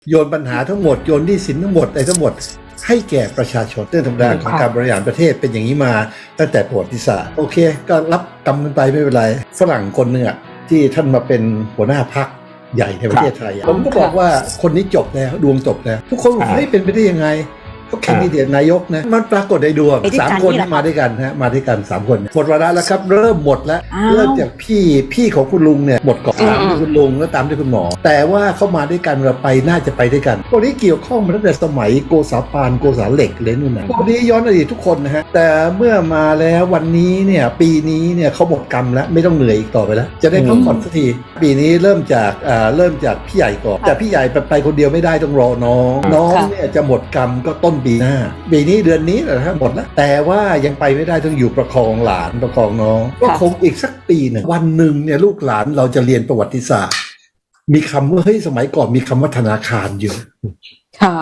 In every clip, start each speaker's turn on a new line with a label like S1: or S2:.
S1: โยนปัญหาทั้งหมดโยนหนี้สินทั้งหมดอะไรทั้งหมดให้แก่ประชาชนเรื่องธรรมดาของการบริหารประเทศเป็นอย่างนี้มาตั้งแต่ประวัติศาสตร์โอเคก็รับกรรมกันไปไม่เป็นไรฝรั่งคนหนึ่งที่ท่านมาเป็นหัวหน้าพรรคใหญ่ในประเทศไทยผมก็บอกว่าคนนี้จบแล้วดวงจบแล้วทุกคนบอกเฮ้ยเป็นไปได้ยังไงก็แคนดิเดตนายกนะมันปรากฏในดวง3 คนมาด้วยกันฮะมาด้วยกัน3 คนหมดวาระแล้วครับเริ่มหมดแล้วเริ่มจากพี่ของคุณลุงเนี่ยหมดก่อนตามด้วยคุณลุงแล้วตามด้วยคุณหมอแต่ว่าเข้ามาด้วยกันเราไปน่าจะไปด้วยกันคนนี้เกี่ยวข้องมาตั้งแต่สมัยโกษาปานโกษาเหล็กเลยนู่นนะคนนี้ย้อนอดีตทุกคนนะฮะแต่เมื่อมาแล้ววันนี้เนี่ยปีนี้เนี่ยเขาหมดกรรมแล้วไม่ต้องเหนื่อยอีกต่อไปแล้วจะได้พักผ่อนสักทีปีนี้เริ่มจากพี่ใหญ่ก่อนแต่พี่ใหญ่ไปคนเดียวไม่ได้ต้องรอน้องเนี่ยจะหมดกรรมก็ต้นปีหน้าปีนี้เดือนนี้แหละครับหมดแล้วแต่ว่ายังไปไม่ได้ต้องอยู่ประคองหลานประคองน้องก็คงอีกสักปีหนึ่งวันหนึ่งเนี่ยลูกหลานเราจะเรียนประวัติศาสตร์มีคำว่าเฮ้ยสมัยก่อนมีคำว่าธนาคารอยู่
S2: ค่ะ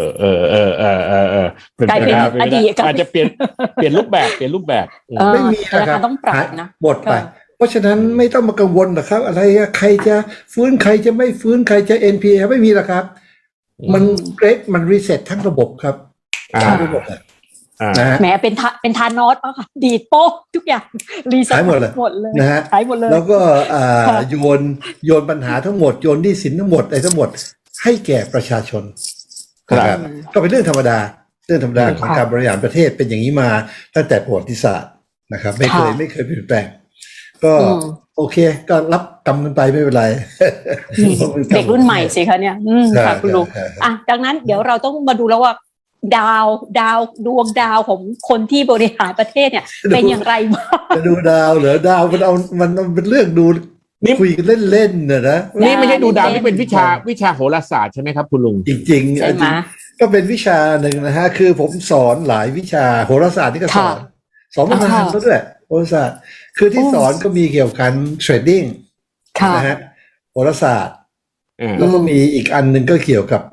S3: กลายเป็นอดีต
S2: อาจจะเปลี่ยนรูปแบบ
S1: ไม่มีนะครับ
S2: ต้องปรับนะ
S1: หมดไปเพราะฉะนั้นไม่ต้องมากังวลนะครับอะไรใครจะฟื้นใครจะไม่ฟื้นใครจะ NPA ไม่มีหรอกครับมันเกรดมันรีเซ็ตทั้งระบบครับทั้งระบบนะ
S2: แหมเป็นทานอสป่ะค่ะดีดโป๊กทุกอย่างรีเซ็ตหมดเลย
S1: นะฮะแล้วก็โยนปัญหาทั้งหมดโยนหนี้สินทั้งหมดอะไรทั้งหมมดให้แก่ประชาชนครับก็เป็นเรื่องธรรมดาของการบริหารประเทศเป็นอย่างนี้มาตั้งแต่ประวัติศาสตร์นะครับไม่เคยเปลี่ยนแปลงก็โอเคก็รับกรรมกันไปไม่เป็นไร
S2: เด็กรุ่นใหม่สิคะเนี่ยค่ะคุณลุงดังนั้นเดี๋ยวเราต้องมาดูแล้วว่าดวงดาวของคนที่บริหารประเทศเนี่ยเป็นอย่างไรบ้าง
S1: จะดูดาวเหรอดาวมันเป็นเรื่องดูคุยกันเล่นๆนะ
S3: นี่ไม่ใช่ดูดาวนี่เป็นวิชาโหราศาสตร์ใช่ไหมครับคุณลุง
S1: จริงๆก็เป็นวิชาหนึ่งนะฮะคือผมสอนหลายวิชาโหราศาสตร์นี่ก็สอนมานานแล้วด้วยโหราศาสตร์คือที่สอนก็มีเกี่ยวกับการเทรดดิ้งนะฮะโหราศาสตร์แล้วก็มีอีกอันหนึ่งก็เกี่ยวกับ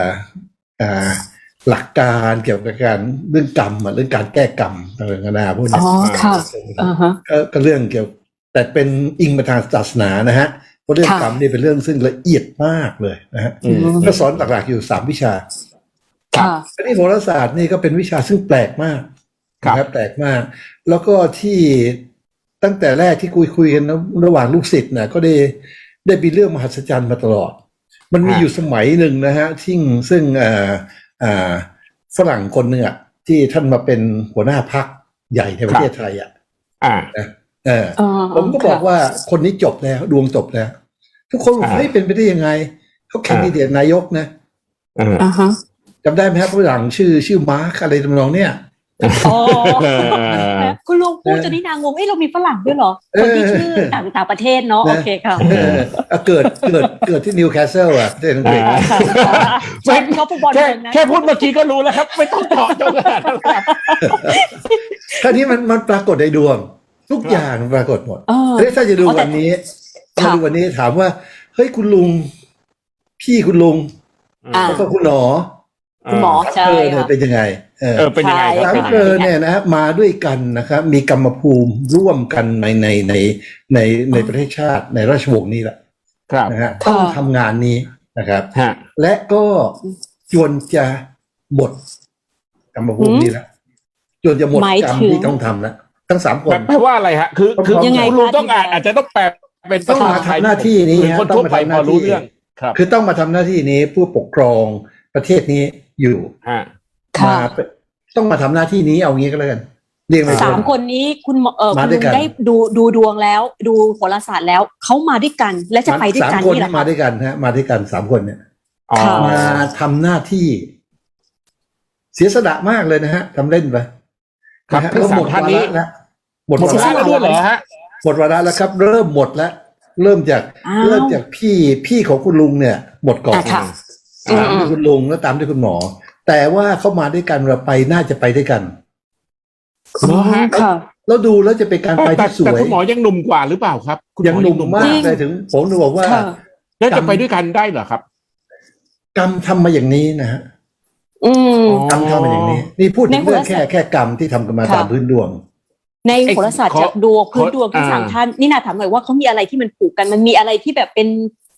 S1: หลักการเกี่ยวกับการเรื่องกรรมเรื่องการแก้กรรมต่างๆพวกนี้ก็เรื่องเกี่ยวแต่เป็นอิงมาทางศาสนานะฮะเพราะเรื่องกรรมนี่เป็นเรื่องซึ่งละเอียดมากเลยนะฮะก็สอนหลักๆอยู่3 วิชาอันนี้โหราศาสตร์นี่ก็เป็นวิชาซึ่งแปลกมากนะครับแปลกมากแล้วก็ที่ตั้งแต่แรกที่คุยกันระหว่างลูกศิษย์นะก็ได้มีเรื่องมหัศจรรย์มาตลอดมันมีอยู่สมัยหนึ่งนะฮะซึ่งฝรั่งคนหนึ่งที่ท่านมาเป็นหัวหน้าพรรคใหญ่ในประเทศไทยผมก็บอกว่าคนนี้จบแล้วดวงจบแล้วทุกคนบอกเฮ้ยเป็นไปได้ยังไงเขาแคนดิเดตนายกนะจำได้ไหมครับฝรั่งชื่อมาร์คอะไรทำนองเนี้ย
S2: คุณลุงพูดจนนี่นางงงเรามีฝรั่งด้วยเหรอคนที่ชื่อต่างประเทศเนาะโอเคค่ะ
S1: เกิดที่นิวคาสเซิลประเทศอังกฤษ
S2: เขาฟุตบอล
S3: แค่พูดเมื่อกี้ก็รู้แล้วครับไม่ต้องต่อจนขนาดนั้นครับ
S1: คราวนี้มันปรากฏในดวงทุกอย่างปรากฏหมดถ้าจะดูวันนี้ถามว่าเฮ้ยคุณลุงพี่คุณลุงแล้วก็คุณหมอ
S2: ใช่
S1: เป็นยังไง
S3: เป็นยังไง
S1: ครับเนี่ยนะครับมาด้วยกันนะครับมีกรรมภูมิร่วมกันในประเทศชาติในราชวงศ์นี้แหละนะฮะต้องทำงานนี้นะครับและก็จวนจะหมดกรรมภูมินี้แล้วจวนจะหมดกรรมที่ต้องทำแล้วทั้ง3 คน
S3: แปลว่าอะไรฮะคือยังไงลุงต้องอาจจะต้องแปลเป็น
S1: ต้องมาทำหน้าที่นี้
S3: คนทั่วไปพอรู้เรื่อง
S1: คือต้องมาทำหน้าที่นี้ผู้ปกครองประเทศนี้อยู่มาต้องมาทำหน้าที่นี้เอางี้ก็แล้วกันเรียก
S2: 3 คนนี้คุณได้ดูดวงแล้วดูโหราศาสตร์แล้วเขามาด้วยกันและจะไปด้วยกัน
S1: 3 คนมาด้วยกันฮะมาด้วยกัน3 คนเนี่ยมาทำหน้าที่เสียสละมากเลยนะฮะทำเล่นไป
S3: ครับหมดวาระแล้วหมดวาระแล้วด้วยเหรอฮะ
S1: หมดวาระแล้วครับเริ่มหมดแล้วเริ่มจากพี่ของคุณลุงเนี่ยหมดก่อนตามด้วยคุณลุงแล้วตามด้วยคุณหมอแต่ว่าเข้ามาด้วยกันเราไปน่าจะไปด้วยกันแล้วดูแล้วจะเป็นการไปที่สวย
S3: แต่คุณหมอยังหนุ่มกว่าหรือเปล่าครับ
S1: ยังหนุ่มมากเลยถึงผมจะบอกว่า
S3: แล้วจะไปด้วยกันได้เหรอครับ
S1: กรรมทำมาอย่างนี้นะฮะกรรมทำมาอย่างนี้นี่พูดถึงเรื่องแค่กรรมที่ทำกันมาตามพื้นดวง
S2: ในโหราศาสตร์จากดวงพื้นดวงที่3 ท่านนี่นาถามหน่อยว่าเขามีอะไรที่มันผูกกันมันมีอะไรที่แบบเป็น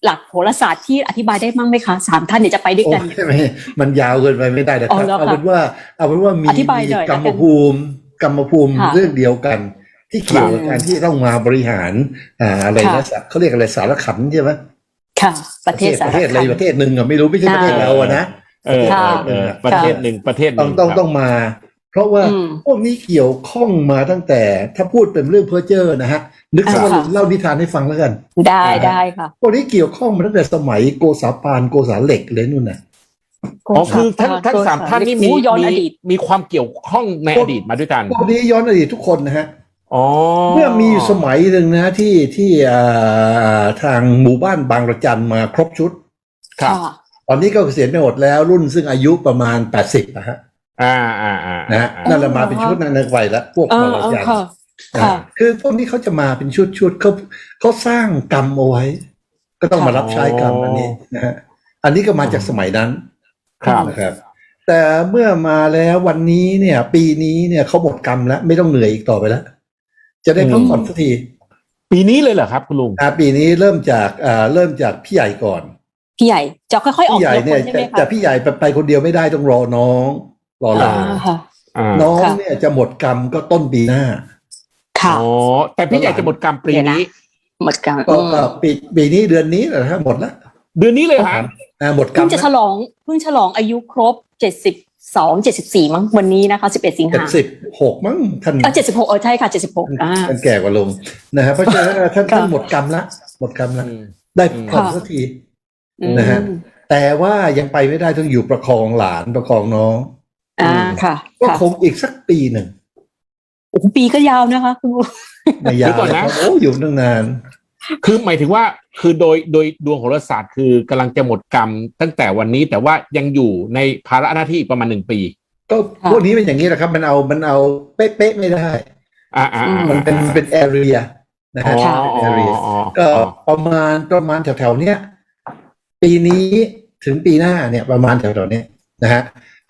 S2: หลักโหราศาสตร์ที่อธิบายได้มั้งไหมคะ3ท่านเนี่ยจะไปด้วยกัน
S1: โอ้ไม่มันยาวเกินไปไม่ได้นะค
S2: อ๋
S1: รับ
S2: อเหรอคะ
S1: เอาเป็นว่ามี
S2: อธิบายหน่อย
S1: กรรมภูมิ
S2: ค่ะ
S1: เรื่องเดียวกัน ที่เกี่ยวกับการที่ต้องมาบริหารอะไรนะเขาเรียกอะไรสารขันใช่ไหม
S2: ค่ะ ประเทศสาร
S1: ประเทศอะไร
S2: คัน
S1: ประเทศหนึ่งอะไม่รู้ไม่ใช่ประเทศเราอะนะ
S2: ค่ะ
S3: ประเทศหนึ่ง
S1: ต้องมา เพราะว่าพวกนี้เกี่ยวข้องมาตั้งแต่ถ้าพูดเป็นเรื่องเพ้อเจ้อนะฮะนึกซะว่าเล่านิทานให้ฟังแล้วกัน
S2: ได้ค่ะ
S1: พวกนี้เกี่ยวข้องมาตั้งแต่สมัยโกษาปานโกษาเหล็กเลยนู่นน่ะ
S3: อ๋อคือทั้งสามท่านนี่
S2: ย้อนอดีต
S3: มีความเกี่ยวข้องในอดีตมาด้วยกัน
S1: พวกนี้ย้อนอดีตทุกคนนะฮะ
S3: อ๋อ
S1: เมื่อมีสมัยหนึ่งนะที่ทางหมู่บ้านบางระจันมาครบชุด
S3: ครับ
S1: ตอนนี้ก็เกษียณไปหมดแล้วรุ่นซึ่งอายุประมาณ80นะฮะนะฮะนั่นแหละมาเป็นชุดนั้นในวัยแล้วพวกบางระจันคือพวกนี้เขาจะมาเป็นชุดเขาสร้างกรรมเอาไว้ ก็ต้องมารับใช้กรรมอันนี้นะฮะอันนี้ก็มาจากสมัยนั้นนะครับ แต่เมื่อมาแล้ววันนี้เนี่ย ปีนี้เนี่ยเขาหมดกรรมแล้วไม่ต้องเหนื่อยอีกต่อไปแล้วจะได้พักผ่อนสักที
S3: ปีนี้เลยเหรอครับคุณลุง
S1: ปีนี้เริ่มจากพี่ใหญ่ก่อน
S2: พี่ใหญ่จะค่อยๆออก
S1: พี่ใหญ่เนี่ย
S2: ใช่ไหมคะ
S1: แต่พี่ใหญ่ไปคนเดียวไม่ได้ต้องรอน้องรอหลาน
S2: ค่ะ
S1: น้องเนี่ยจะหมดกรรมก็ต้นปีหน้า
S2: ค่ะ
S3: อ๋อแต่พี่ใหญ่จะหมดกรรมปีนี้
S2: หมดกรรม
S1: ก็ปีนี้เดือนนี้แหละฮะหมดแล้ว
S3: เดือนนี้เลยฮะ
S1: หมดกรร
S2: เพิ่
S1: ม
S2: งจะฉลองอายุครบ74มั้งวันนี้นะคะ11สิงหา
S1: 76มั้งท่าน
S2: 76ใช่ค่ะ76
S1: ท่านแก่กว่าลุงนะฮะเพราะฉะนั้นท่านหมดกรรมละได้ผ่อนสักทีนะฮะแต่ว่ายังไปไม่ได้ต้องอยู่ประคองหลานประคองน้อง
S2: ค่ะ
S1: ก็คงอีกสักปีหนึ่ง
S2: โอ้โหปีก็ยาวนะคะคุณลุง
S1: ไม่ยาวนะโอ้อยู่ตั้งนาน
S3: คือหมายถึงว่าคือโดยดวงโหราศาสตร์คือกำลังจะหมดกรรมตั้งแต่วันนี้แต่ว่ายังอยู่ในภาระหน้าที่ประมาณ1 ปี
S1: ก็พวกนี้เป็นอย่างนี้แหละครับมันเอาเป๊ะๆไม่ได้มันเป็นแอเรียนะฮะแอเรียก็ประมาณแถวๆเนี้ยปีนี้ถึงปีหน้าเนี่ยประมาณแถวๆเนี้ยนะฮะ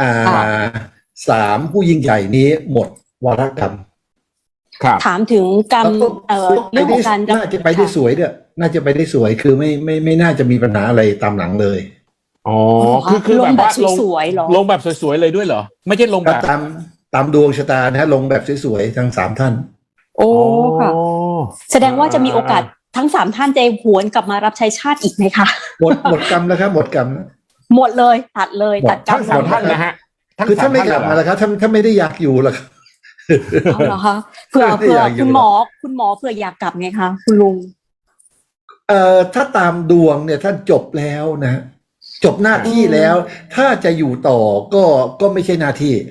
S1: 3ผู้ยิ่งใหญ่นี้หมดวาระกรรม
S2: ถามถึงกรรมเรื่องของการ
S1: น่าจะไปได้สวยด้วยน่าจะไปได้สวยคือไม่น่าจะมีปัญหาอะไรตามหลังเลย
S3: อ๋อคือ
S2: ลงแบบสวยๆหรอ
S3: ลงแบบสวยๆเลยด้วยเหรอไม่ใช่ลงแบบ
S1: ตามดวงชะตานะฮะลงแบบสวยๆทั้ง3ท่าน
S2: โอ้ค่ะแสดงว่าจะมีโอกาสทั้ง3ท่านจะหวนกลับมารับใช้ชาติอีกไหมคะ
S1: หมดกรรมแล้วครับหมดกรรม
S2: หมดเลยตัดกรรม
S3: ทั้ง3ท่านนะฮะ
S1: คือถ้าไม่กลับมาแล้วครับถ้าไม่ได้อยากอยู่แล้วครับ
S2: เหรอคะเผื่อคุณหมอเผื่ออยากกลับไงคะคุณลุง
S1: ถ้าตามดวงเนี่ยท่านจบแล้วนะจบหน้าที่แล้วถ้าจะอยู่ต่อก็ไม่ใช่หน้าที่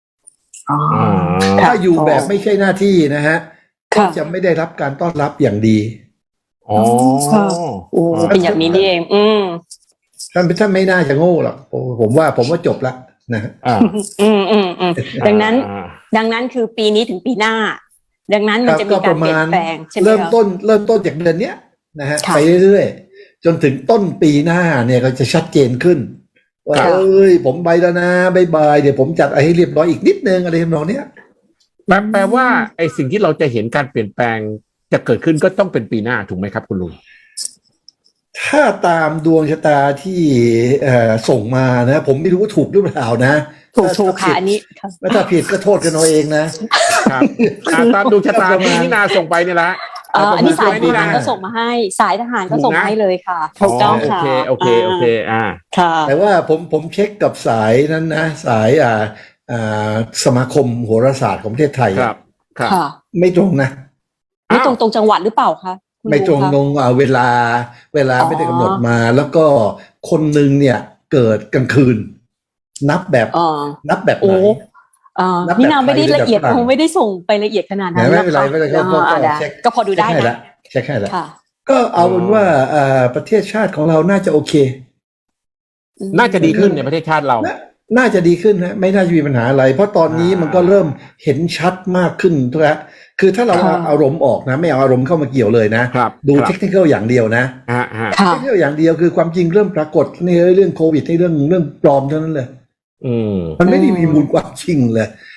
S1: ถ้าอยู่แบบไม่ใช่หน้าที่นะฮะก็จะไม่ได้รับการต้อนรับอย่างดี
S3: อ๋อ
S2: เป็นอย่างนี้นี่เอง
S1: ท่านไม่น่าจะโง่หรอกผมว่าจบแล้วนะ
S2: ดังนั้นคือปีนี้ถึงปีหน้าดังนั้นมันจะมีการเปลี่ยนแปลงใช่ไหม
S1: เริ่มต้นจากเดือนนี้นะฮะไปเรื่อยๆจนถึงต้นปีหน้าเนี่ยก็จะชัดเจนขึ้นว่าผมไปแล้วนะบายเดี๋ยวผมจัดให้เรียบร้อยอีกนิดนึงอะไรทำนองเนี้ย
S3: แปลว่าไอ้สิ่งที่เราจะเห็นการเปลี่ยนแปลงจะเกิดขึ้นก็ต้องเป็นปีหน้าถูกไหมครับคุณลุง
S1: ถ้าตามดวงชะตาที่ส่งมานะผมไม่รู้ว่าถูกหรือเปล่านะ
S2: ถูกค่ะอันนี้
S1: ถ้าผิดก็โทษกันเอาเองนะครับ
S3: ตามดวงชะตาที่นินาส่งไปนี่แหละ
S2: อันนี้สายทหารก็ส่งมาให้สายทหารก็ส่งมาให้เลยค่ะถูกต้องค่ะ
S3: โอเค
S2: ค่ะ
S1: แต่ว่าผมเช็คกับสายนั้นนะสายสมาคมโหราศาสตร์ของประเทศไทย
S3: ครับ
S1: ไม่ตรงนะ
S2: ไม่ตรงจังหวัดหรือเปล่าคะ
S1: ไม่ตรงเวลาไม่ได้กำหนดมาแล้วก็คนหนึ่งเนี่ยเกิดกลางคืนนับแบบไหน
S2: พี่นาวไม่ได้ละเอียดคงไม่ได้ส่งไปละเอียดขนาดนั้น
S1: ไม่เป็นไร
S2: ก็พอดูได้นะ
S1: เช็คให้แล้วก็เอาเป็นว่าประเทศชาติของเราน่าจะโอเค
S3: น่าจะดีขึ้นในประเทศชาติเรา
S1: น่าจะดีขึ้นนะไม่น่าจะมีปัญหาอะไรเพราะตอนนี้มันก็เริ่มเห็นชัดมากขึ้นแล้วคือถ้าเราเอาอารมณ์ออกนะไม่เอาอารมณ์เข้ามาเกี่ยวเลยนะดูเทคนิคอย่างเดียวนะเทคนิคอย่างเดียวคือความจริงเริ่มปรากฏในเรื่องโควิดในเรื่องปลอมเท่านั้นเลยมันไม่ได้มีมูลความจริงเลย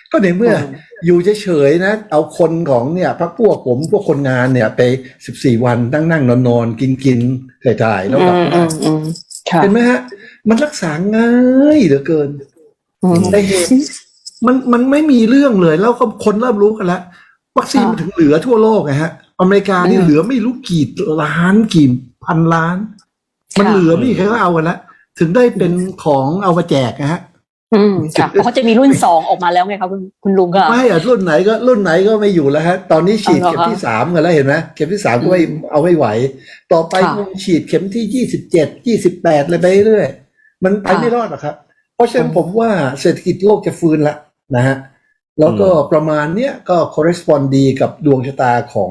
S1: ก็ในเมื่ออยู่เฉยๆนะเอาคนของเนี่ยพรรคพวกผมพวกคนงานเนี่ยไป14 วันนั่งนอนกินถ่ายแล้วกลับบ้านเห็นไหมฮะมันรักษาง่ายเหลือเกินแต่เหตุมันไม่มีเรื่องเลยแล้วก็คนเริ่มรู้กันแล้ววัคซีนมันถึงเหลือทั่วโลกไงฮะอเมริกานี่เหลือไม่รู้กี่ล้านกี่พันล้านมันเหลือไม่มีใครก็เอากันแล้วถึงได้เป็นของเอามาแจกนะฮะ
S2: ค่ะเขาจะมีรุ่น2ออกมาแล้วไงครับคุณลุงก็
S1: ไม่อะรุ่นไหนก็ไม่อยู่แล้วฮะตอนนี้ฉีดเข็มที่3กันแล้วเห็นไหมเข็มที่3ก็ไม่เอาไม่ไหวต่อไปคงฉีดเข็มที่27 28เลยไปเรื่อยมันไปไม่รอดหรอกครับเพราะฉะนั้นผมว่าเศรษฐกิจโลกจะฟื้นละนะฮะแล้วก็ประมาณเนี้ยก็ correspond ดีกับดวงชะตาของ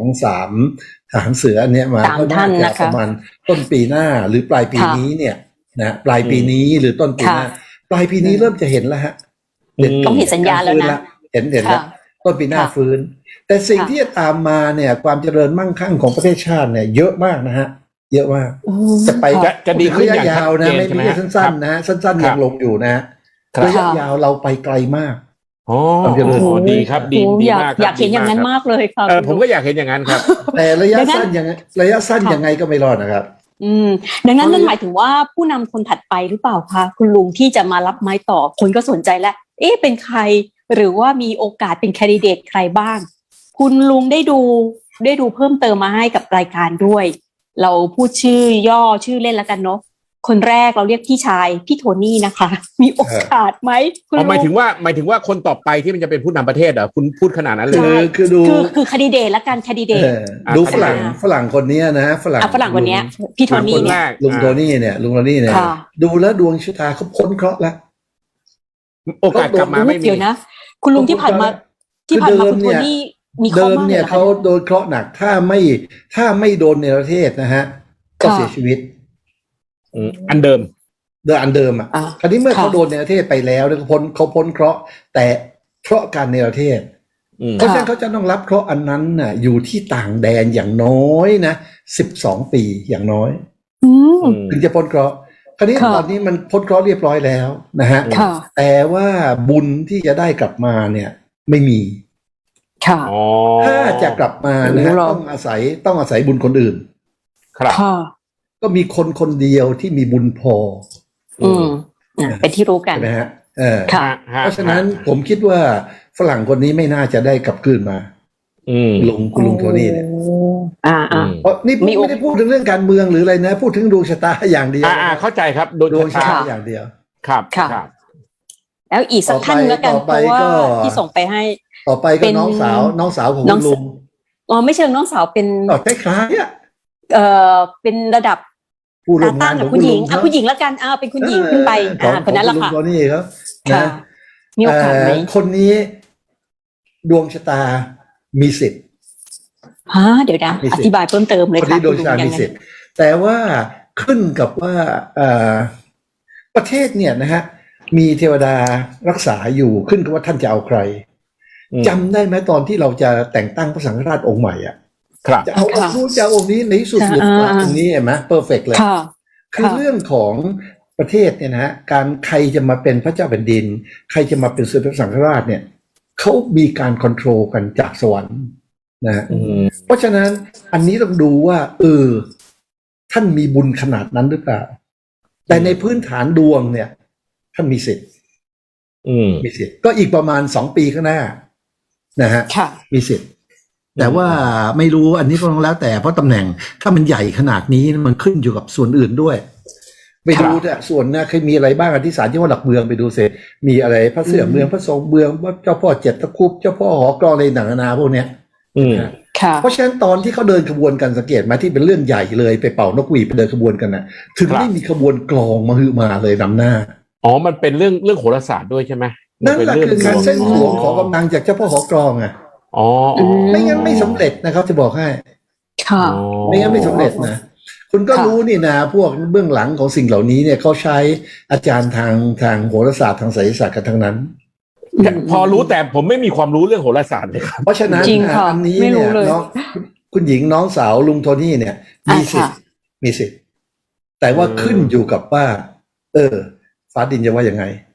S1: 3ทหารเสือเนี่ยมาก็น่าจะประมาณต้นปีหน้าหรือปลายปีนี้เนี่ยนะปลายปีนี้หรือต้นปีหน้าปลายปีนี้เริ่มจะเห็นแล้วฮะ
S2: ต้องเห็นสัญญาณแล้วนะ
S1: เห็นแล้วต้นปีหน้าฟื้นแต่สิ่งที่จะตามมาเนี่ยความเจริญมั่งคั่งของประเทศชาติเนี่ยเยอะมากนะฮะเยอะมากจะไป
S3: จะดีขึ้นอย่าง
S1: ยาวนะไม่ใช่สั้นๆนะสั้นๆยังลงอยู่นะระยะยาวเราไปไกลมาก
S3: ดีครับดีมาก
S2: อยากเห็นอย่างนั้นมากเลยครับ
S3: ผมก็อยากเห็นอย่างนั้นครับ
S1: แต่ระยะสั้นยังไงก็ไม่รอดนะครับ
S2: ดังนั้นนั่นหมายถึงว่าผู้นำคนถัดไปหรือเปล่าคะคุณลุงที่จะมารับไม้ต่อคนก็สนใจแล้วเป็นใครหรือว่ามีโอกาสเป็นแคนดิเดตใครบ้างคุณลุงได้ดูเพิ่มเติมมาให้กับรายการด้วยเราพูดชื่อย่อชื่อเล่นแล้วกันเนาะคนแรกเราเรียกพี่ชายพี่โทนี่นะคะมีโอกาสไหมคุณลุง
S3: หมายถึงว่าคนต่อไปที่มันจะเป็นผู้นำประเทศเหรอคุณพูดขนาดนั้นเลย
S2: คือแคนดิเดตละกันแคนดิเดต
S1: ดูฝรั่งคนนี้นะฝรั่ง
S2: คนนี้พี่โทนี่
S1: เนี่ยลุงโทนี่เนี่ยดูแล้วดวงชะตาเขาพ้นเคราะห์แล้ว
S3: โอกาสกลับมาไม่มี
S2: เดี๋ยวนะคุณลุงที่ผ่านมาคุณโทนี่มีข้อมาก
S1: เนี่ยเขาโดนเคราะห์หนักถ้าไม่โดนในประเทศนะฮะก็เสียชีวิต
S3: อันเดิม
S1: อ่ะคราวนี้เมื่อเขาโดนในประเทศไปแล้วเขาพ้นเคราะห์แต่เคราะห์การในประเทศเพราะฉะนั้นเขาจะต้องรับเคราะห์อันนั้นน่ะอยู่ที่ต่างแดนอย่างน้อยนะ12 ปีอย่างน้อยถึงจะพ้นเคราะห์คราวนี้ตอนนี้มันพ้นเคราะห์เรียบร้อยแล้วนะฮะแต่ว่าบุญที่จะได้กลับมาเนี่ยไม่มีถ้าจะกลับมานะต้องอาศัยบุญคนอื่น
S3: ครับ
S1: ก็มีคนเดียวที่มีบุญพอ
S2: เป็นที่รู้กัน
S1: นะฮะเพราะฉะนั้นผมคิดว่าฝรั่งคนนี้ไม่น่าจะได้กลับคืนมาคุณลุงโทนี่เนี่ยเพราะนี่ไม่ได้พูดถึงเรื่องการเมืองหรืออะไรนะพูดถึงดวงชะตาอย่างเดียว
S3: เข้าใจครับ
S1: ดวงชะตาอย่างเดียว
S3: ครับ
S2: แล้วอีกสักท่านแล้วกันเพราะว่าที่ส่งไปให้
S1: ต่อไปก็น้องสาวของคุณลุง
S2: ไม่เชิงน้องสาวเป็น
S1: คล้าย
S2: ๆเป็นระดับ
S1: ผู้ร่วมงาน
S2: ของผู้หญิงแล้วกันเป็นคุณหญิงขึ้นไปคนนั้นแหละค่ะ
S1: นี่ครับนะ
S2: มีโอกาสไหม
S1: คนนี้ดวงชะตามีสิทธิ์
S2: เดี๋ยวนะอธิบายเพิ่มเติมเลยค่ะ
S1: คนนี้ดวงชะตามีสิทธิ์แต่ว่าขึ้นกับว่าประเทศเนี่ยนะฮะมีเทวดารักษาอยู่ขึ้นกับว่าท่านจะเอาใครจำได้ไหมตอนที่เราจะแต่งตั้งพระสังฆราชองค์ใหม่จะเอาองค์นู้นจะเอาองค์นี้ในที่สุดหลุดมาตรงนี้เห็นไหมเพอร์เฟกต์เลยคือเรื่องของประเทศเนี่ยนะฮะการใครจะมาเป็นพระเจ้าแผ่นดินใครจะมาเป็นสมเด็จพระสังฆราชเนี่ยเขามีการคอนโทรลกันจากสวรรค์นะเพราะฉะนั้นอันนี้ต้องดูว่าท่านมีบุญขนาดนั้นหรือเปล่าแต่ในพื้นฐานดวงเนี่ยท่านมีสิทธิ์ก็อีกประมาณ2 ปีข้างหน้านะฮะมีสิทธิ์แต่ว่าไม่รู้อันนี้ก็ต้องแล้วแต่เพราะตำแหน่งถ้ามันใหญ่ขนาดนี้มันขึ้นอยู่กับส่วนอื่นด้วยไปดูแต่ส่วนนะเคยมีอะไรบ้างที่ศาลจังหวัดหลักเมืองไปดูเสร็จมีอะไรพระเสือเมืองพระทรงเมืองว่าเจ้าพ่อเจ็ดตะคุบเจ้าพ่อหอกรองอะไรหนังนาพวกเนี้ยเพราะฉะนั้นตอนที่เขาเดินขบวนกันสังเกตมาที่เป็นเรื่องใหญ่เลยไปเป่านกหวีดไปเดินขบวนกันนะถึงไม่มีขบวนกลองมาเลยนำหน้า
S3: มันเป็นเรื่องโหราศาสตร์ด้วยใช่ไหม
S1: นั่นแหละคือการเส้นสวงของกำลังจากเจ้าพ่อหอกรองไม่งั้นไม่สำเร็จนะครับจะบอกให้ไม่งั้นไม่สำเร็จนะคุณก็รู้นี่นะพวกเบื้องหลังของสิ่งเหล่านี้เนี่ยเขาใช้อาจารย์ทางโหราศาสตร์ทางไสยศาสตร์กันทั้งนั้น
S3: พอรู้แต่ผมไม่มีความรู้เรื่องโหราศาสตร์เลยครับ
S1: เพราะฉะนั้นอันนี้เนี่ยน้องคุณหญิงน้องสาวลุงโทนี่เนี่ยมีสิทธิ์แต่ว่าขึ้นอยู่กับว่าฟ้าดินจะว่ายังไง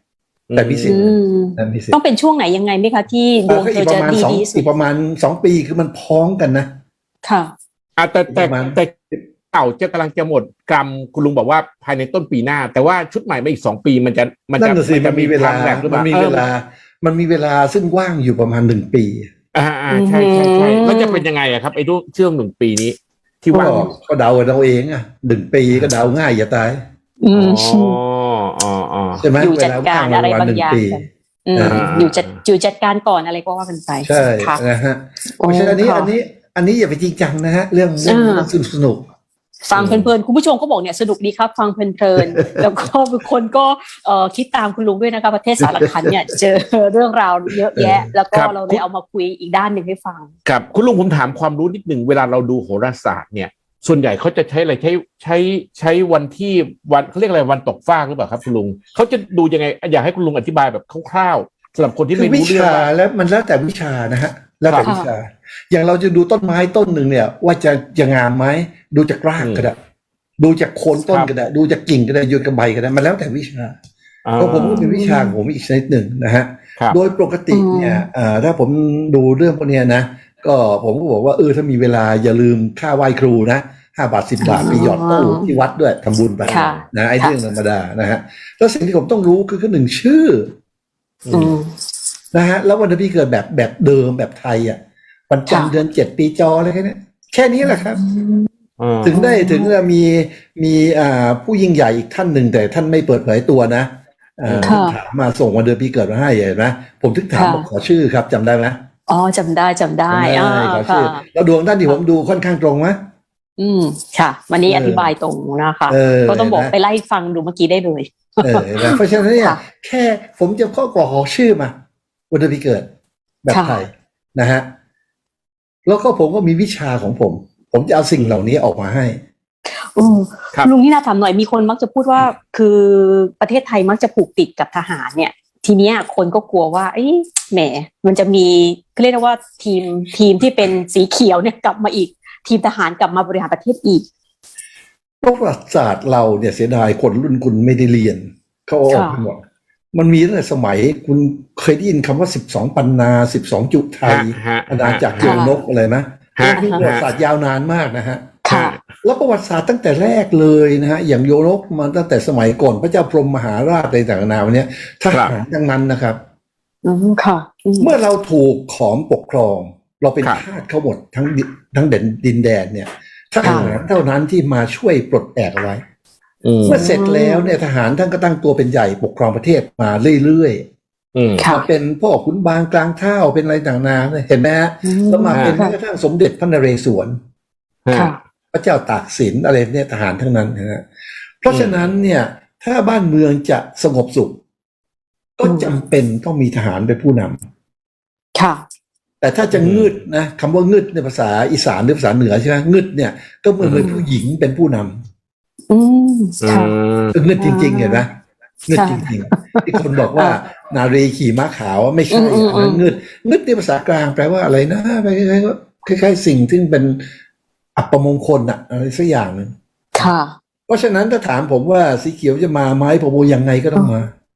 S1: แต่มีสิทธิ์
S2: อืม
S1: นะมีสิท
S2: ต้อง
S1: ธิ์
S2: เป็นช่วงไหนยังไงไหมคะที่ดวง
S1: ก็
S2: เธ
S1: อี
S2: อก
S1: ป
S2: จะ
S1: ระมาณ
S2: ดี
S1: สอง
S2: ดีสุ
S1: อี
S2: ด
S1: กประมาณ2 ปีคือมันพ้องกันนะ
S2: ค่ะ
S3: แต่
S1: ประมาณ
S3: เก่าจะกำลังจะหมดกรรมคุณลุงบอกว่าภายในต้นปีหน้า แต่ว่าชุดใหม่มาอีก2 ปีมันจะ
S1: นั่นน่ะสิมันมีเวลา
S3: ไทม์แลปหรือเป
S1: มัน
S3: ล่า
S1: มีเวลา มันมีเวลาซึ่งว่างอยู่ประมาณ1 ปี
S3: ใช่แล้วจะเป็นยังไงอะครับไอ้ช่วง1 ปีนี้ที่ว่างอยู่
S1: ก็เดากันเอาเองอ่ะ1 ปีก็เดาง่ายอย่าตาย
S2: อืม
S3: อ๋อ
S1: ใช่ไหม
S2: อยู่
S1: เว
S2: จัด
S1: ลา
S2: การ
S1: ว่าง
S2: อะไร
S1: ประมาณ
S2: บาง
S1: หนึ่ง
S2: อย่าง
S1: ปี
S2: กันอืม
S1: อ่า
S2: อยู่จัดการก่อนอะไรก็ว่ากันไป
S1: ใช่
S2: ค่ะ
S1: นะฮะ
S2: โอ้
S1: เพราะฉะนั้น
S2: ค่ะ
S1: อันนี้อย่าไปจริงจังนะฮะเรื่องสนุก
S2: ฟังเพลินๆคุณผู้ชมก็บอกเนี่ยสนุกดีครับฟังเพลินๆ แล้วก็บางคนก็คิดตามคุณลุงด้วยนะคะประเทศสารคันเนี่ยเจอเรื่องราวเยอะแยะ แล้วก็เราเลยเอามาคุยอีกด้านหนึ่งให้ฟัง
S3: ครับคุณลุงผมถามความรู้นิดหนึ่งเวลาเราดูโหราศาสตร์เนี่ยส่วนใหญ่เขาจะใช้อะไรใช้วันที่วันเขาเรียกอะไรวันตกฟากหรือเปล่าครับคุณลุงเขาจะดูยังไงอยากให้คุณลุงอธิบายแบบคร่าวๆสำหรับคนที่
S1: คือ
S3: ไม่
S1: วิ
S3: รู้เรื่อง
S1: ชา
S3: ว่า
S1: แล้วมันแล้วแต่วิชานะฮะแล้วแต่
S2: ครับ
S1: วิชา อย่างเราจะดูต้นไม้ต้นหนึ่งเนี่ย ว่าจะงามไหมดูจากรากก็ได้ดูจากโคนต้นก็ได้ดูจากกิ่งก็ได้ดูจากใบก็ได้มันแล้วแต่วิชาเพราะผมก็มีวิชาของผมอีกชนิดหนึ่งนะฮะ
S3: ครับ
S1: โดยปกติเนี่ยถ้าผมดูเรื่องพวกเนี้ยนะก็ผมก็บอกว่าถ้ามีเวลาอย่าลืมค่าไหว้ครูนะ5 บาท 10 บาทไปหยอดตู้ที่วัดด้วยทำบุญไป
S2: ค่ะ
S1: นะไอ้เรื่องธรรมดานะฮะแล้วสิ่งที่ผมต้องรู้คือหนึ่งชื่อ
S2: อืม
S1: นะฮะแล้ววันที่เกิดแบบเดิมแบบไทยอ่ะวันจันทร์
S2: ค่ะ
S1: เดือน7ปีจออะไรแค่นี้แค่นี้แหละครับ
S3: อืม
S1: ถึงจะมีผู้ยิ่งใหญ่อีกท่านหนึ่งแต่ท่านไม่เปิดเผยตัวนะ
S2: ค่ะ
S1: ถามมาส่งวันเดือนปีเกิดมาให้เห็นไหมผมถึงถาม
S2: ค่ะ
S1: บอกขอชื่อครับจำได้ไหม
S2: อ๋อจำได้ขอ
S1: ขอชื่อ
S2: ค่ะ
S1: แล้วดวงท่านที่ผมดูค่อนข้างตรงไหม
S2: ค่ะ วันนี้
S1: เออ
S2: อธิบายตรงนะคะ
S1: เออ
S2: ก็ต้องบอก
S1: นะ
S2: ไปไล่ฟังดูเมื่อกี้ได้เลย
S1: นะเพราะฉะนั้นเนี่ย
S2: ค่ะ
S1: แค่ผมจะข้อกรอกของชื่อมาวันเดือนปีเกิดแบบ
S2: ค่ะ
S1: ไทยนะฮะแล้วก็ผมก็มีวิชาของผม ผมจะเอาสิ่งเหล่านี้ออกมาให้
S2: อืม
S3: ครับ
S2: ลุงนี่นาถามหน่อยมีคนมักจะพูดว่าคือประเทศไทยมักจะผูกติดกับทหารเนี่ย ทีเนี้ยคนก็กลัวว่าเอ้ยแหมมันจะมีเรียกได้ว่าทีมที่เป็นสีเขียวเนี่ยกลับมาอีก ทีมทหารกลับมาบริหารประเทศอีก
S1: ประวัติศาสตร์เราเนี่ยเสียดายคนรุ่นคุณไม่ได้เรียนเขาเอาออกไปหมดมันมีตั้งแต่สมัยคุณเคยได้ยินคำว่า12ปันนา12จุไทย
S3: ฮะ
S1: อาณาจักรโยนกอะไรไหม
S3: ฮะ
S1: มีประวัติศาสตร์ยาวนานมากนะฮะ
S2: ค่ะ
S1: แล้วประวัติศาสตร์ตั้งแต่แรกเลยนะฮะอย่างโยนกมาตั้งแต่สมัยก่อนพระเจ้าพรหมมหาราชอะไรต่างๆนานาเนี่ยทหารทั้งนั้นนะครับ
S2: ค่ะ
S1: เมื่อเราถูกขอมปกครอง เราเป็น
S3: ครับ
S1: ทาสเขาหมดทั้งดินแดนเนี่ยทหารเท่านั้นที่มาช่วยปลดแอกเอาไว้ เมื่อเสร็จแล้วเนี่ยทหารท่านก็ตั้งตัวเป็นใหญ่ปกครองประเทศมาเรื่อย
S2: ค่ะ
S1: มาเป็นพ่อขุนบางกลางเท่าเป็นอะไรต่างๆนานาเห็นไหมฮะแล้วมาเป็นแม้กระทั่งสมเด็จพระนเรศวร
S2: ค่ะ
S1: พระเจ้าตากสินอะไรเนี่ยทหารทั้งนั้นนะฮะเพราะฉะนั้นเนี่ยถ้าบ้านเมืองจะสงบสุข ก็จำเป็นต้องมีทหารเป็นผู้นำ
S2: ค่ะ
S1: แต่ถ้าจะงึดนะคำว่างึดในภาษาอีสานหรือภาษาเหนือใช่ไหมงึดเนี่ยก็เหมือนเป็นผู้หญิงเป็นผู้นำ
S2: อืมค่ะ
S1: คืองึดจริงๆเห็นไหมงึดจริงๆที่คนบอกว่านารีขี่ม้าขาวไม่ใช่อันนั้นงึดในภาษากลางแปลว่าอะไรนะคล้ายๆสิ่งที่เป็นอัปมงคลอะอะไรสักอย่างหนึ่ง
S2: ค่ะ
S1: เพราะฉะนั้นถ้าถามผมว่าสีเขียวจะมาไหมผมว่ายังไงก็ต้องมา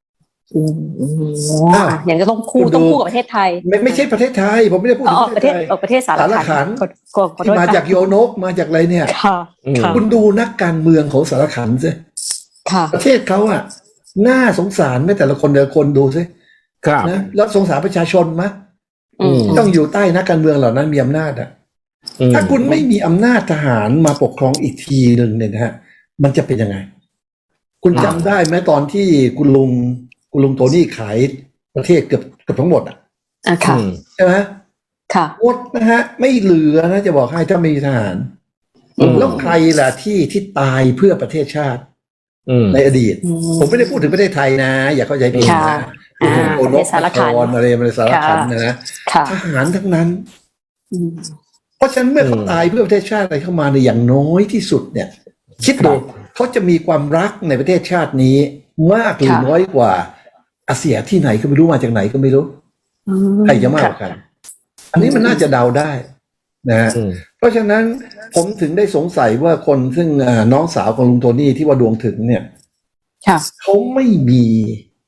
S2: อย่างก็ต้องคู่กับประเทศไทย
S1: ไม่ใช่ประเทศไทยผมไม่ได้พูดถึง
S2: ประเทศประเทศสารคัน
S1: ที่มาจากโยนกมาจากอะไรเนี่ย
S2: ค่ะ
S1: คุณดูนักการเมืองของสารคันสิ
S2: ค่ะ
S1: ประเทศเขาอะน่าสงสารไม่แต่ละคนดูสิ
S3: ครับ
S1: นะแล้วสงสารประชาชนไหมต้องอยู่ใต้นักการเมืองเหล่านั้นมีอำนาจอะถ้าคุณไม่มีอำนาจทหารมาปกครองอีกทีหนึ่งเนี่ยนะฮะมันจะเป็นยังไง คุณจำได้ไหมตอนที่คุณลุงโทนี่ขายประเทศเกือบทั้งหมดอ่ะ
S2: ค่ะ
S1: ใช่ไหม
S2: ค่ะ
S1: หมดนะฮะไม่เหลือนะจะบอกให้ถ้าไม่มีทหารแล้วใครล่ะที่ตายเพื่อประเทศชาติในอดีต ผมไม่ได้พูดถึงประเทศไทยนะอย่าเข้าใจผิดนะโอนกสารคันอะไรสารคันนะทหารทั้งนั้นเพราะฉะนั้นเมื่อเขาตายเพื่อประเทศชาติอะไรเข้ามาในอย่างน้อยที่สุดเนี่ยคิดดูเขาจะมีความรักในประเทศชาตินี้มากหรือน้อยกว่าอาเซียที่ไหนก็ไม่รู้มาจากไหนก็ไม่รู้ใครจะมากกว่ากันอันนี้มันน่าจะเดาได้นะฮะเพราะฉะนั้นผมถึงได้สงสัยว่าคนซึ่งน้องสาวของลุงโทนี่ที่ว่าดวงถึงเนี่ยเขาไม่มี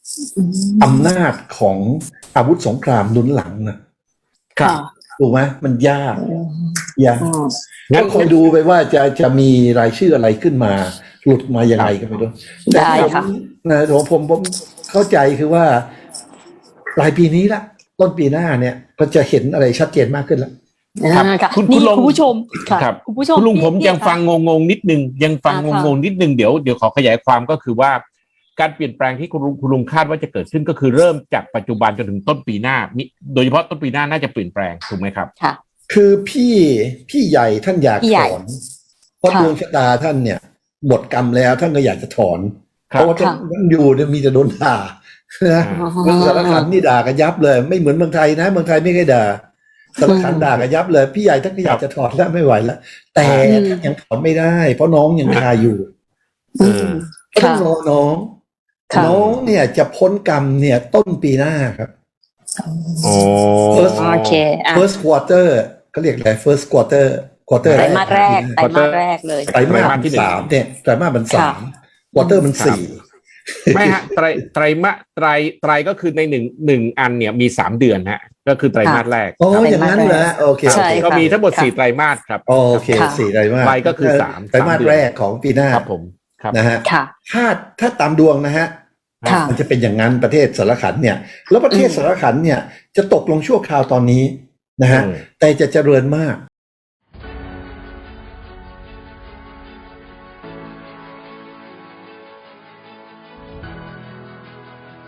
S1: อำนาจของอาวุธสงครามหนุนหลังนะ
S2: ค่ะ
S1: ถูกไหมมันยาก
S2: อืม
S1: งั้นคอยดูไปว่าจะมีรายชื่ออะไรขึ้นมา หลุดมายังไงก็ไม่รู้
S2: ได้ค่ะ
S1: นะผมเข้าใจคือว่าปลายปีนี้ละต้นปีหน้าเนี่ยก็จะเห็นอะไรชัดเจนมากขึ้นแล้ว
S3: ครับ
S2: ค่ะ
S3: คุณ
S2: นี่
S3: ลุง
S2: คุณผู้ชมค่ะ
S3: ครับ
S2: คุณผู้ชม
S3: คุณลุง
S2: ที่
S3: ผมยัง
S2: ที่
S3: ฟังงงๆนิดนึงยังฟัง
S2: ค่ะ
S3: งงๆนิดนึงเดี๋ยวขอขยายความก็คือว่า การเปลี่ยนแปลงที่คุณลุงคาดว่าจะเกิดขึ้นก็คือเริ่มจากปัจจุบันจนถึงต้นปีหน้าโดยเฉพาะต้นปีหน้าน่าจะเปลี่ยนแปลงถูกไหมครับ
S2: ค่ะ
S1: คือพี่ใหญ่ท่านอยาก
S2: พี่ให
S1: ถ
S2: ญ่
S1: อนเพราะ
S2: ค่ะ
S1: ดวงชะตาท่านเนี่ยหมดกรรมแล้วท่านก็อยากจะถอน
S3: ครับ
S1: เพราะว่าท่านอยู่เนี่ยมีแต่โดนด่านะ
S2: อ๋อ
S1: เมืองสารขันนี่ด่ากันยับเลย ไม่เหมือนเมืองไทยนะเมืองไทยไม่เคยด่าสารขันด่ากันยับเลย พี่ใหญ่ท่านก็อยากจะถอนแล้วไม่ไหวแล้วแต่ท่านยังถอนไม่ได้ เพราะน้องยังคาอยู่
S2: อืม
S1: ก็ต้องรอน้อง
S2: ค่ะ
S1: น้องเนี่ยจะพ้นกรรมเนี่ยต้นปีหน้าครับ
S3: โอ้
S1: First
S2: โอเคอ่ะ
S1: first quarter ก็เรียกอะไร first quarter
S2: ไตรมาสแรกไตรมาสแรกเลย
S1: ไตรมาสที่สามเนี่ยไตรมาสมันสามควอเตอร์มันสี่
S3: ไม่ฮะไตรก็คือในหนึ่งอันเนี่ยมี3 เดือนฮะก็คือไตรมาสแรก
S1: โอ้อย่างนั้นเหรอโอเค
S2: ใช่
S3: ก็
S2: ค่ะ
S3: มีทั้งหมด
S2: ค่ะ
S3: 4 ไตรมาสครับ
S1: โอเค
S2: ค่ะ
S1: สี่ไตรมาส
S3: ไตรก็คือสาม
S1: ไตรมาส
S3: 3 เดือน
S1: แรกของปีหน้า
S3: ครับผมครับ
S1: นะฮะ
S2: ค่ะ
S1: ถ้าตามดวงนะฮะ
S2: ค่ะ
S1: มันจะเป็นอย่างนั้นประเทศสารขันเนี่ยแล้วประเทศสารขันเนี่ยจะตกลงชั่วคราวตอนนี้นะฮะ
S3: อืม
S1: แต่จะเจริญมาก